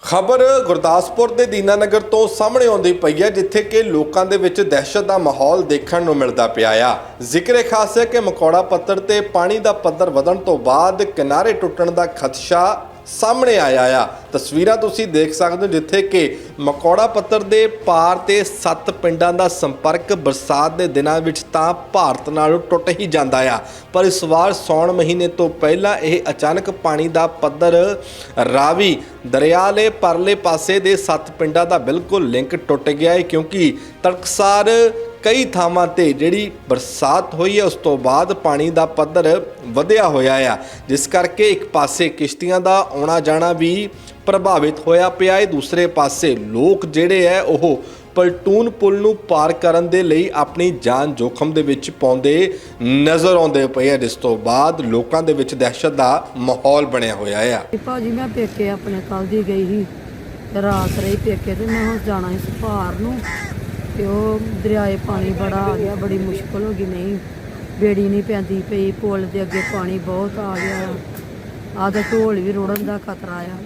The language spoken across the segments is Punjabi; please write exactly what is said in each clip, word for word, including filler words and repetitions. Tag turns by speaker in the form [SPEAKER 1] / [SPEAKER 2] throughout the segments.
[SPEAKER 1] ਖਬਰ ਗੁਰਦਾਸਪੁਰ ਦੇ ਦੀਨਾਨਗਰ ਤੋਂ ਸਾਹਮਣੇ ਆਉਂਦੀ ਪਈ ਹੈ, ਜਿੱਥੇ ਕਿ ਲੋਕਾਂ ਦੇ ਵਿੱਚ ਦਹਿਸ਼ਤ ਦਾ ਮਾਹੌਲ ਦੇਖਣ ਨੂੰ ਮਿਲਦਾ ਪਿਆ ਆ। ਜ਼ਿਕਰ ਖਾਸ ਹੈ ਕਿ ਮਕੌੜਾ ਪੱਤਰ ਤੇ ਪਾਣੀ ਦਾ ਪੱਧਰ ਵਧਣ ਤੋਂ ਬਾਅਦ ਕਿਨਾਰੇ ਟੁੱਟਣ ਦਾ ਖਦਸ਼ਾ ਸਾਹਮਣੇ ਆਇਆ ਆ। ਤਸਵੀਰਾਂ ਤੁਸੀਂ ਦੇਖ ਸਕਦੇ ਹੋ, ਜਿੱਥੇ ਕਿ ਮਕੌੜਾ ਪੱਤਰ ਦੇ ਪਾਰ ਤੇ ਸੱਤ ਪਿੰਡਾਂ ਦਾ ਸੰਪਰਕ ਬਰਸਾਤ ਦੇ ਦਿਨਾਂ ਵਿੱਚ ਤਾਂ ਭਾਰਤ ਨਾਲੋਂ ਟੁੱਟ ਹੀ ਜਾਂਦਾ ਆ, ਪਰ ਇਸ ਵਾਰ ਸੌਣ ਮਹੀਨੇ ਤੋਂ ਪਹਿਲਾਂ ਇਹ ਅਚਾਨਕ ਪਾਣੀ ਦਾ ਪੱਧਰ ਰਾਵੀ ਦਰਿਆ ਦੇ ਪਰਲੇ ਪਾਸੇ ਦੇ ਸੱਤ ਪਿੰਡਾਂ ਦਾ ਬਿਲਕੁਲ ਲਿੰਕ ਟੁੱਟ ਗਿਆ ਹੈ, ਕਿਉਂਕਿ ਤੜਕਸਾਰ ਕਈ ਥਾਵਾਂ ਤੇ ਜਿਹੜੀ ਬਰਸਾਤ ਹੋਈ ਹੈ ਉਸ ਤੋਂ ਬਾਅਦ ਪਾਣੀ ਦਾ ਪੱਧਰ ਵਧਿਆ ਹੋਇਆ ਆ, ਜਿਸ ਕਰਕੇ ਇੱਕ ਪਾਸੇ ਕਿਸ਼ਤੀਆਂ ਦਾ ਆਉਣਾ ਜਾਣਾ ਵੀ ਪ੍ਰਭਾਵਿਤ ਹੋਇਆ ਪਿਆ ਹੈ। ਦੂਸਰੇ ਪਾਸੇ ਲੋਕ ਜਿਹੜੇ ਹੈ ਉਹ ਪਲਟੂਨ ਪੁਲ ਨੂੰ ਪਾਰ ਕਰਨ ਦੇ ਲਈ ਆਪਣੀ ਜਾਨ ਜੋਖਮ ਦੇ ਵਿੱਚ ਪਾਉਂਦੇ ਨਜ਼ਰ ਆਉਂਦੇ ਪਏ ਆ, ਜਿਸ ਤੋਂ ਬਾਅਦ ਲੋਕਾਂ ਦੇ ਵਿੱਚ ਦਹਿਸ਼ਤ ਦਾ ਮਾਹੌਲ ਬਣਿਆ ਹੋਇਆ ਆ।
[SPEAKER 2] ਭਾਜੀ ਮੈਂ ਪੇਕੇ ਆਪਣੇ ਕੱਲ ਦੀ ਗਈ ਸੀ, ਰਾਤ ਰਹੀ ਪੇਕੇ ਤੇ ਮੈਂ ਹੁਣ ਜਾਣਾ ਸੀ ਸਪਾਰ ਨੂੰ, ਤੇ ਉਹ ਦਰਿਆਏ ਪਾਣੀ ਬੜਾ ਆ ਗਿਆ, ਬੜੀ ਮੁਸ਼ਕਲ ਹੋ ਗਈ। ਨਹੀਂ ਬੇੜੀ ਨਹੀਂ ਪੈਂਦੀ ਪਈ, ਪੁਲ ਦੇ ਅੱਗੇ ਪਾਣੀ ਬਹੁਤ ਆ ਗਿਆ, ਆਹ ਤਾਂ ਢੋਲ ਵੀ ਰੁੜਨ ਦਾ ਖਤਰਾ ਆ।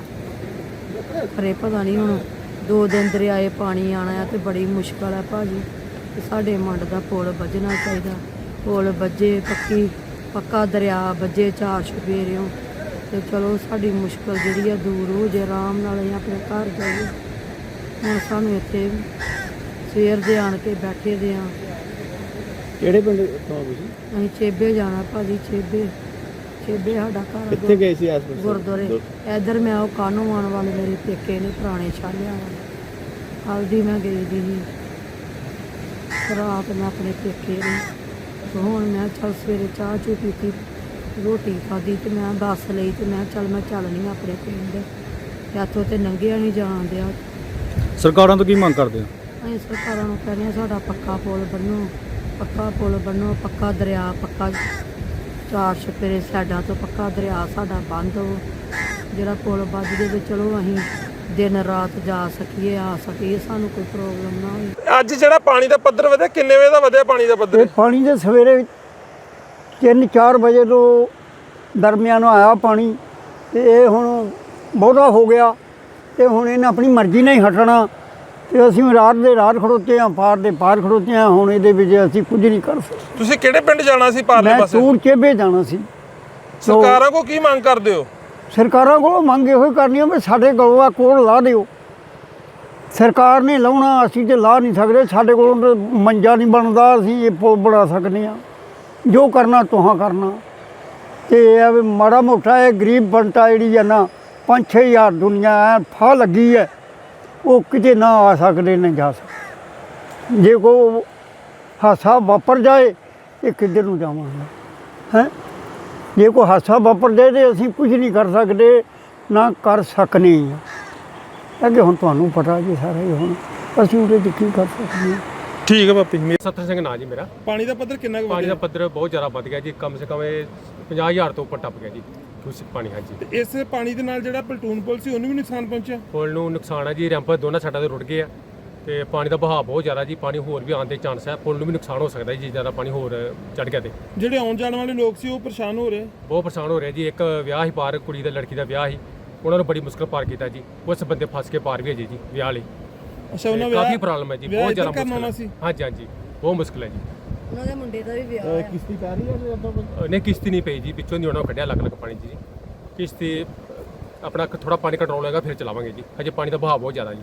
[SPEAKER 2] ਖਰੇ ਪਤਾ ਨਹੀਂ ਹੁਣ ਦੋ ਦਿਨ ਦਰਿਆਏ ਪਾਣੀ ਆਣਾ ਆ ਤੇ ਬੜੀ ਮੁਸ਼ਕਲ ਹੈ ਭਾਜੀ। ਤੇ ਸਾਡੇ ਮੰਡ ਦਾ ਪੁਲ ਵੱਜਣਾ ਚਾਹੀਦਾ, ਪੁਲ ਵੱਜੇ, ਪੱਕੀ ਪੱਕਾ ਦਰਿਆ ਵੱਜੇ ਚਾਰ ਚੁਫੇਰਿਓਂ, ਤੇ ਚਲੋ ਸਾਡੀ ਮੁਸ਼ਕਲ ਜਿਹੜੀ ਆ ਦੂਰ ਹੋ ਜੇ, ਆਰਾਮ ਨਾਲ ਅਸੀਂ ਆਪਣੇ ਘਰ ਜਾਈਏ। ਹੁਣ ਸਾਨੂੰ ਇੱਥੇ ਸਵੇਰ ਦੇ ਆਣ ਕੇ ਬੈਠੇ ਦੇ ਆ।
[SPEAKER 3] ਕਿਹੜੇ ਪਿੰਡ ਤੋਂ ਤੁਸੀਂ?
[SPEAKER 2] ਅਸੀਂ ਚੇਬੇ ਜਾਣਾ ਭਾਜੀ, ਚੇਬੇ ਚੇਬੇ ਸਾਡਾ ਘਰ।
[SPEAKER 3] ਕਿੱਥੇ ਗਏ ਸੀ ਆਸ-ਪਾਸ?
[SPEAKER 2] ਗੁਰਦੁਆਰੇ ਇੱਧਰ ਮੈਂ ਉਹ ਕਾਨੂੰ ਆਉਣ ਵਾਲੇ ਮੇਰੇ ਪੇਕੇ ਨੇ, ਪੁਰਾਣੇ ਛਾਲਿਆਂ ਵਾਲੇ। ਹਲਦੀ ਮੈਂ ਗਈ ਦੀ ਸੀ ਰਾਤ, ਮੈਂ ਆਪਣੇ ਪੇਕੇ ਨੇ। ਤੇ ਹੁਣ ਮੈਂ ਚੱਲ ਸਵੇਰੇ ਚਾਹ ਚੂ ਪੀਤੀ, ਰੋਟੀ ਖਾਧੀ, ਤੇ ਮੈਂ ਬੱਸ ਲਈ, ਤੇ ਮੈਂ ਚੱਲ ਮੈਂ ਚੱਲਣੀ ਆਪਣੇ ਪਿੰਡ, ਤੇ ਇੱਥੋਂ ਤੇ ਲੰਘਿਆ ਨਹੀਂ ਜਾਣ ਦਿਆ।
[SPEAKER 3] ਸਰਕਾਰਾਂ ਤੋਂ ਕੀ ਮੰਗ ਕਰਦੇ ਹੋ?
[SPEAKER 2] ਅਸੀਂ ਸਰਕਾਰਾਂ ਨੂੰ ਕਹਿੰਦੇ ਹਾਂ ਸਾਡਾ ਪੱਕਾ ਪੁਲ ਬਣੋ, ਪੱਕਾ ਪੁਲ ਬਣੋ, ਪੱਕਾ ਦਰਿਆ, ਪੱਕਾ ਚਾਰ ਛਪੇਰੇ ਸਾਈਡਾਂ ਤੋਂ ਪੱਕਾ ਦਰਿਆ ਸਾਡਾ ਬੰਦ ਹੋ, ਜਿਹੜਾ ਪੁਲ ਵੱਜ ਜੇ ਤੇ ਚਲੋ ਅਸੀਂ ਦਿਨ ਰਾਤ ਜਾ ਸਕੀਏ, ਆ ਸਕੀਏ, ਸਾਨੂੰ ਕੋਈ ਪ੍ਰੋਬਲਮ ਨਾ ਹੋਵੇ।
[SPEAKER 4] ਅੱਜ ਜਿਹੜਾ ਪਾਣੀ ਦਾ ਪੱਧਰ ਵਧਿਆ, ਕਿੰਨੇ ਵਜੇ ਦਾ ਵਧਿਆ ਪਾਣੀ ਦਾ ਪੱਧਰ?
[SPEAKER 5] ਇਹ ਪਾਣੀ ਦੇ ਸਵੇਰੇ ਤਿੰਨ ਚਾਰ ਵਜੇ ਤੋਂ ਦਰਮਿਆਨ ਆਇਆ ਪਾਣੀ, ਤੇ ਇਹ ਹੁਣ ਬਹੁਤਾ ਹੋ ਗਿਆ, ਤੇ ਹੁਣ ਇਹਨੇ ਆਪਣੀ ਮਰਜ਼ੀ ਨਾਲ ਹੀ ਹਟਣਾ, ਤੇ ਅਸੀਂ ਰਾਤ ਦੇ ਰਾਤ ਖੜੋਤੇ ਹਾਂ, ਪਾਰ ਦੇ ਪਾਰ ਖੜੋਤੇ ਹਾਂ। ਹੁਣ ਇਹਦੇ ਵਿੱਚ ਅਸੀਂ ਕੁਝ ਨਹੀਂ ਕਰ ਸਕਦੇ।
[SPEAKER 4] ਤੁਸੀਂ ਕਿਹੜੇ ਪਿੰਡ ਜਾਣਾ ਸੀ ਪਾਰਲੇ
[SPEAKER 5] ਮੈਂ
[SPEAKER 4] ਪਾਸੇ?
[SPEAKER 5] ਤੂਰ ਚੇਬੇ ਜਾਣਾ ਸੀ।
[SPEAKER 4] ਸਰਕਾਰਾਂ ਕੋ ਕੀ ਮੰਗ ਕਰਦੇ ਹੋ?
[SPEAKER 5] ਸਰਕਾਰਾਂ ਕੋਲੋਂ ਮੰਗ ਇਹੋ ਹੀ ਕਰਨੀ ਆ ਵੀ ਸਾਡੇ ਕੋਲੋਂ ਆ ਕੋਲ ਲਾ ਦਿਓ। ਸਰਕਾਰ ਨੇ ਲਾਉਣਾ, ਅਸੀਂ ਤੇ ਲਾ ਨਹੀਂ ਸਕਦੇ, ਸਾਡੇ ਕੋਲੋਂ ਤਾਂ ਮੰਜਾ ਨਹੀਂ ਬਣਦਾ, ਅਸੀਂ ਇਹ ਪੁਲ ਬਣਾ ਸਕਦੇ ਹਾਂ। ਜੋ ਕਰਨਾ ਤੁਹਾਂ ਕਰਨਾ, ਤੇ ਇਹ ਵੀ ਮਾੜਾ ਮੋਟਾ ਇਹ ਗਰੀਬ ਬੰਟਾ ਜਿਹੜੀ ਹੈ ਨਾ, ਪੰਜ ਛੇ ਹਜ਼ਾਰ ਦੁਨੀਆ ਐ ਫਾਹ ਲੱਗੀ ਹੈ, ਉਹ ਕਿਤੇ ਨਾ ਆ ਸਕਦੇ ਨਾ ਜਾ ਸਕਦੇ। ਜੇ ਕੋਈ ਹਾਦਸਾ ਵਾਪਰ ਜਾਏ ਇਹ ਕਿੱਧਰ ਨੂੰ ਜਾਵਾਂਗੇ? ਹੈਂ, ਜੇ ਕੋਈ ਹਾਦਸਾ ਵਾਪਰ ਜਾਏ ਤਾਂ ਅਸੀਂ ਕੁਝ ਨਹੀਂ ਕਰ ਸਕਦੇ, ਨਾ ਕਰ ਸਕਨੇ ਹਾਂ। ਅੱਗੇ ਹੁਣ ਤੁਹਾਨੂੰ ਪਤਾ ਜੀ ਸਾਰਾ ਹੀ, ਹੁਣ ਅਸੀਂ ਉਹਦੇ 'ਚ ਕੀ ਕਰ ਸਕਦੇ ਹਾਂ।
[SPEAKER 4] ਠੀਕ ਹੈ ਬਾਪੀ।
[SPEAKER 6] ਸੱਤਰ ਸਿੰਘ ਨਾਂ ਜੀ ਮੇਰਾ।
[SPEAKER 4] ਪਾਣੀ ਦਾ ਪੱਧਰ ਕਿੰਨਾ ਕੁ
[SPEAKER 6] ਪਾਣੀ ਦਾ
[SPEAKER 4] ਵਧਿਆ?
[SPEAKER 6] ਪੱਧਰ ਬਹੁਤ ਜ਼ਿਆਦਾ ਵੱਧ ਗਿਆ ਜੀ, ਕਮ ਸੇ ਕਮ ਇਹ ਪੰਜਾਹ ਹਜ਼ਾਰ ਤੋਂ ਉੱਪਰ ਟੱਪ ਗਿਆ ਜੀ ਦੂਸ਼ਿਤ ਪਾਣੀ। ਹਾਂਜੀ,
[SPEAKER 4] ਤੇ ਇਸ ਪਾਣੀ ਦੇ ਨਾਲ ਜਿਹੜਾ ਪਲਟੂਨ ਪੁਲ ਸੀ ਉਹਨੂੰ ਵੀ ਨੁਕਸਾਨ ਪਹੁੰਚਿਆ?
[SPEAKER 6] ਪੁਲ ਨੂੰ ਨੁਕਸਾਨ ਹੈ ਜੀ, ਰੈਂਪ ਦੋਨਾਂ ਸਾਈਡਾਂ ਤੇ ਰੁੜ ਗਏ ਆ, ਤੇ ਪਾਣੀ ਦਾ ਵਹਾਅ ਬਹੁਤ ਜ਼ਿਆਦਾ ਜੀ, ਪਾਣੀ ਹੋਰ ਵੀ ਆਉਣ ਦੇ ਚਾਂਸ ਹੈ, ਪੁਲ ਨੂੰ ਵੀ ਨੁਕਸਾਨ ਹੋ ਸਕਦਾ ਜੀ ਜੇ ਜ਼ਿਆਦਾ ਪਾਣੀ ਹੋਰ ਚੜ ਗਿਆ ਤੇ।
[SPEAKER 4] ਜਿਹੜੇ ਆਉਣ ਜਾਣ ਵਾਲੇ ਲੋਕ ਸੀ ਉਹ ਪਰੇਸ਼ਾਨ ਹੋ ਰਹੇ?
[SPEAKER 6] ਬਹੁਤ ਪਰੇਸ਼ਾਨ ਹੋ ਰਿਹਾ ਜੀ। ਇੱਕ ਵਿਆਹ ਹੀ ਪਾਰ, ਕੁੜੀ ਦਾ ਲੜਕੀ ਦਾ ਵਿਆਹ ਹੀ, ਉਹਨਾਂ ਨੂੰ ਬੜੀ ਮੁਸ਼ਕਲ ਪਾਰ ਕੀਤਾ ਜੀ। ਉਸ ਬੰਦੇ ਫਸ ਕੇ ਪਾਰ ਵੀ ਹੈ ਜੀ ਜੀ ਵਿਆਹ ਲਈ।
[SPEAKER 4] ਅੱਛਾ, ਉਹਨਾਂ
[SPEAKER 6] ਤੇ ਕਾਫੀ ਪ੍ਰੋਬਲਮ ਹੈ ਜੀ, ਬਹੁਤ ਜ਼ਿਆਦਾ
[SPEAKER 4] ਕਰਨਾ
[SPEAKER 6] ਮੁਸ਼ਕਲ
[SPEAKER 4] ਸੀ।
[SPEAKER 6] ਹੈ। ਹਾਂਜੀ ਹਾਂਜੀ, ਬਹੁਤ ਮੁਸ਼ਕਲ ਹੈ ਜੀ।
[SPEAKER 2] ਉਹਨਾਂ ਦੇ ਮੁੰਡੇ ਦਾ ਵੀ ਵਿਆਹ ਹੈ।
[SPEAKER 3] ਕਿਸ਼ਤੀ ਪੈ ਰਹੀ ਹੈ ਜਦੋਂ?
[SPEAKER 6] ਅ, ਨਹੀਂ ਕਿਸ਼ਤੀ ਨਹੀਂ ਪਈ ਜੀ, ਪਿੱਛੋਂ ਦੀ ਉਹਨਾਂ ਨੂੰ ਕੱਢਿਆ ਲੱਖ ਲੱਖ ਪਾਣੀ 'ਚ ਜੀ। ਕਿਸ਼ਤੀ ਆਪਣਾ ਥੋੜਾ ਪਾਣੀ ਕੰਟਰੋਲ ਹੋਏਗਾ ਫਿਰ ਚਲਾਵਾਂਗੇ ਜੀ, ਹਜੇ ਪਾਣੀ ਦਾ ਵਹਾਅ ਬਹੁਤ ਜ਼ਿਆਦਾ ਜੀ।